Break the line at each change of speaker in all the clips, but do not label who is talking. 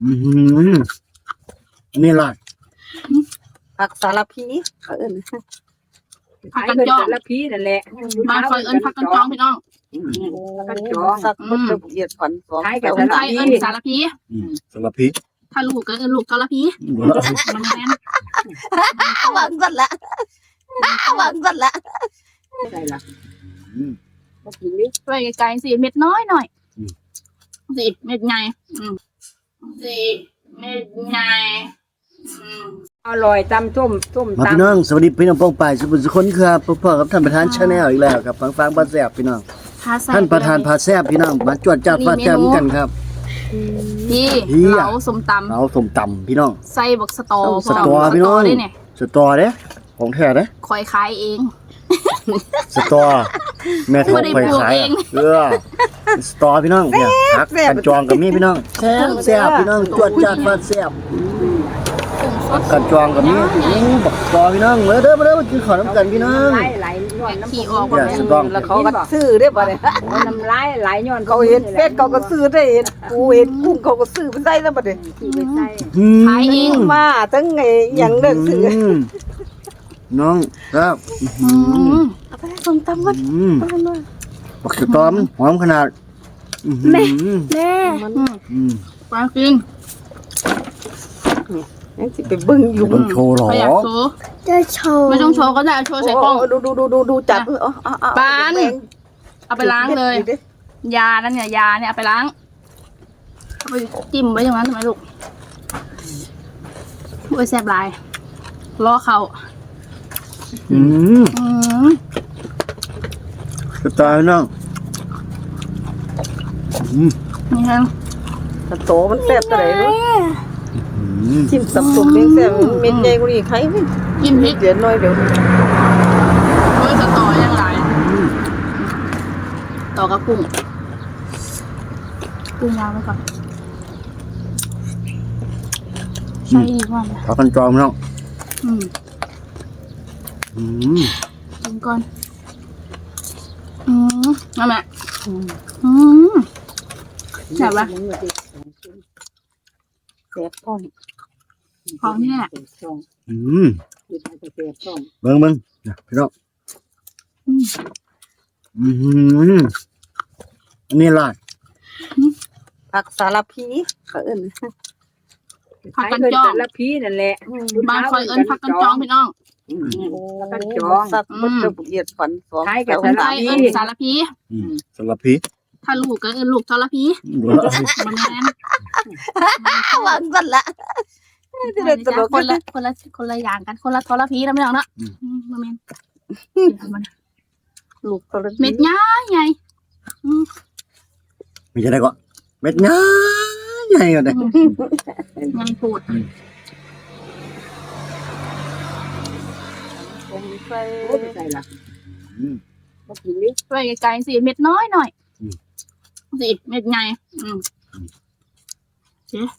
นี่ล่ะ
ผักสารพี
ผักกันจอง
สารพีนั่นแหละ
มาคอยเอิ้นผักกันจองพี่น้อง
ผักกันจองสักคนละเอียดก่อนสอง
คนไทยเอิ้นสารพี
สารพิษ
ถ้าลูกก็เอิ้นลูกทรพีมันแม่น
หวังสัตว์ละหวังสัตว์ละใช่ละมากินดิ
ช่วยไกลๆสิเม็ดน้อยหน่อยสิเม็ดใหญ่สิเม็ดใหญ่
อร่อยตำส้ม
มา
ตำ
พี่น้องสวัสดีพี่น้องป้องไปสุขสุขคนครับพ่อกับท่านประธานชาแนลอีกแล้วครับฟังพาแซ่บพี่น้องท่านประธานพาแซ่บพี่น้องมาจวดจัดฟาดแซ่บกันครับ
พี่เหลาสมตำ
เอาส้มตำพี่น้อง
ใส่บักสตอ
สตอพี่น้อง
ได้เนี่ย
สตอเด้ของแท้เด้
คอยขายเอง
สตอแม่ทองไปขายสตอพี่น้องเนี่ยพักกันจองกับมีพี่น้องแซ่บพี่น้องจวดจัดฟาดแซ่บกันจองกับมีบักสตอพี่น้องมาเด้อมากินข้าวน้ำกันพี่น้อง
ไหลย้อนน้ำ
ขี่ออก
อย่าสตอง
แล้วเขาก็ซื้อได้ป่ะเนี่ยน้ำลายไหลย้อนเขาเห็นเป็ดเขาก็ซื้อได้เห็นปูเห็นกุ้งเขาก็ซื้อไปใส่แล้วป่ะเนี่ย
ขายเอง
มาตั้งไงอย่างเลิกซื้อ
น้องครับ
เอาไปส้มตำมัน
บักสตอมหอมขนาด
แม่
มัน
ปลากิน
ยังสิไปบึ้งอยู่
ต้องโชว์หรอ
ไม่อยากโชว์
จะโชว์
ไม่ต้องโชว์ก็ได้โชว์ใส่กล้อง
ดูจับ
ปานเอาไปล้างเลย ยานั่นเนี่ยยาเนี่ยเอาไปล้างเอาไปจิ้มไว้อย่างนั้นทำไมลูกโอ้ยแซ่บหลายล้อเขา
สตอน้อง
นี่ฮะ
โตมันแซ่บตัวไหนรู้จิ้มสับสนเลี้ยงแซ่บเม็ดใหญ่กว่านี้ใครไม่
จิ้มพริก
เดี๋ยวน้อยเดี๋ยว
ด้วยสตอยังหลายต่อกับกุ้งวางไว้ก่อนใช่ดีกว่านะ
ขอกันจองน้อง
กินก่อนมาแม่แซ่บปะ
แซ่บท้อง
ของเนี่ย
เบิ้งพี่น้องนี่ล่ะ
ผักสารพีเอิ้น
ผักกันจอง
สารพีนั่นแหละ
บ้านคอยเอิ้นผักกันจองพี่น้อง
ผักกันจองสักคนละเอียดก่อนสองแต่
คนไทยเอิ้นสารพี
สารพิษ
ถ้าลูกก็เอิ้นลูกทรพีมันแม่น
หวังสัตว์ละ
คนละอย่างกันคนละทรพีนะพี่น้องเนาะมันแม่น
ลูกตัว
เม็ดใหญ่ใหญ่
ไม่ใช่ได้ก็เม็ดง่ายใหญ่ก็ได้
ยังพูด
ใส่ใส่ละมากินดิ
ช่วยไกลๆสิเม็ดน้อยหน่อยสิเม็ดใหญ่เจ๊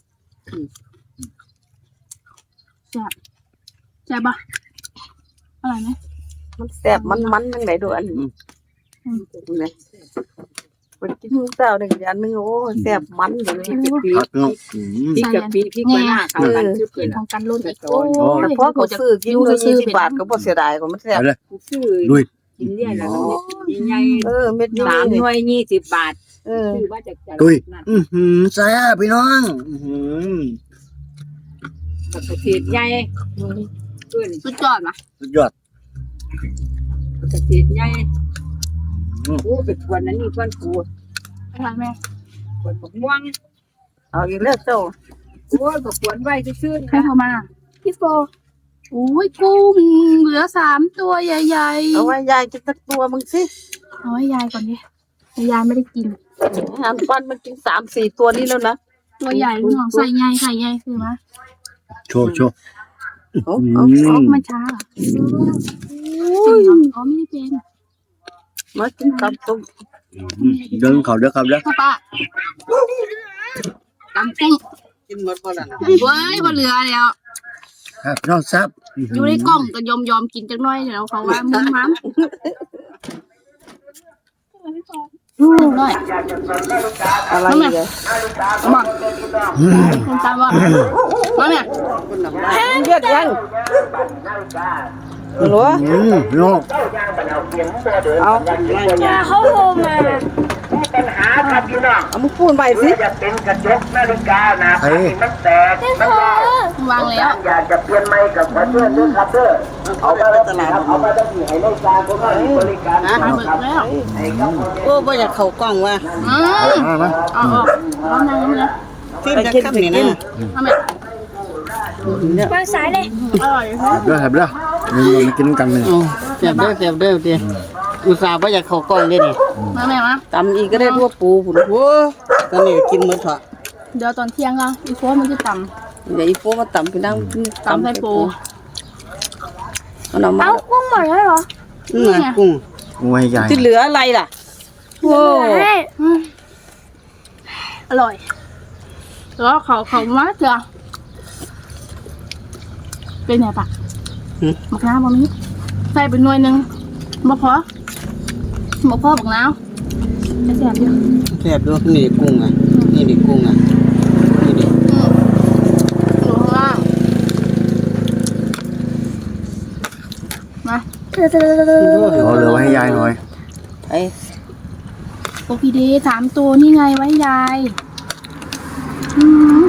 แซ่บปะอร่อยไหม
มันแซ่บมันทั้งไหนดูอันนี้เนี่ยมันกินเต้าหนึ่งอย่างนึงโอ้แซ่บมันอยู่เลย
พักน้อง
พริกกับพริกมะนาวค่ะมันคือ
กินของกันรุ่นอีก
โอ้แต่พอเขาซื้อกินเลย20 บาทก็บ่เสียดายก็มันแซ่บซื้อ
ลุย
กินเนี่ยแล้วใหญ่เม็ดนี้3 หน่วย20 บาทซื้อมาจาก
ลุยแซ่บพี่น้อง
ประเทศใหญ่ขึ้น
สุดยอดนะ
สุดยอด
ประเทศใหญ่โอ้เป็นวันนั้นนี่วันกู
อร่อยไหม
วันม่วงเอาอีกแล้วเจ้าโอ้ยก็ควรไว้ซื่อๆ
ใคร
นะ
โทรมาพี่โฟโอ้ยกุ้งเหลือ3 ตัวใหญ่ๆ
เอาไว้ยายกินสักตัวมึงสิ
เอาไว้ยายก่อนดิยายไม่ได้กิน
อันปั้นมันกิน3-4 ตัวนี้แล้วนะ
ตัวใหญ่ลูกน้องใส่ใหญ่ไข่ใหญ่คือมะ
โชว์
มันช้าโอ้ยอ๋อไม่ได้เป็น
มากินกับต้ม
เดินเขาเด้อครับเด้อ
ป้าป้าตำกุ้ง
กินหมดบ่ล่ะ
เว้ยบ่เหลือแล้ว
ครับน้องซับ
อยู่ในกล่องก็ยอมกินจักหน่อยเดี๋ยวเขาว่ามึงมั้งน้อย
อะไรเนี่ย
มาคุณตามว่ามาเนี่ย
เลือดยังหรอ
พี่น้อง
เอา
ยาเขาโทรมา
ปัญหาครับพี่น้อง
เอามึงพูดไปสิ
จะเป็นกระจกนาฬิกานะมันแตก
พี่
มัน
เธอ
วางแล้ว
อยากจะเปลี่ยนไม้กับขอเพื่อนด้วยครับเด้อเอาไปตลาดเอาไปตั้งที่ให้นาฬิกาพวกเราบริการ
มาเบิกแล้ว
ให้กับ
โอ้บ่อยากเข้ากล้องว่ะ
มา
เอาออกร้อนน้ำเลย
ฟิล์มจะกินนี่นะ
ทำแบบ
วางสายเลย
อร่อย
เด้อครับเด้อมากินกันเลย
เสียบเด้อเดี๋ยวอุตส่าห์บ่อยากเข้ากล้องเด้นี่
มาแม่มา
ตำอีกก็ได้พวกปูผุนโว้ตอนนี้กินหมดเถอะ
เดี๋ยวตอนเที่ยงก็อีโฟนมันจะต่
เดี๋ยวอีโฟมาตำไปนั่ง
ำต่ำใส่ปู
เอาหน่อมา
เอากุ้งหมดแล้วเหรอ
กุ้ง
งูให้ใหญ่
ที่เหลืออะไรล่ะโอ้
ให้
อร่อยแล้วเขามาเจอเป็นไงปะมะนาวบะมีใส่เป็นหน่วยหนึ่งบ่พอบักน้ำแซ่บอยู่
แซ่บด้วยนี่กุ้งอ่ะนี่ดิกุ้งอ่ะนี่ดิ
อยู่ข้างล่างมา
เอาเหลือไว้ให้ยายหน่อย
ไอ้
โอพีดี3 ตัวนี่ไงไว้ยาย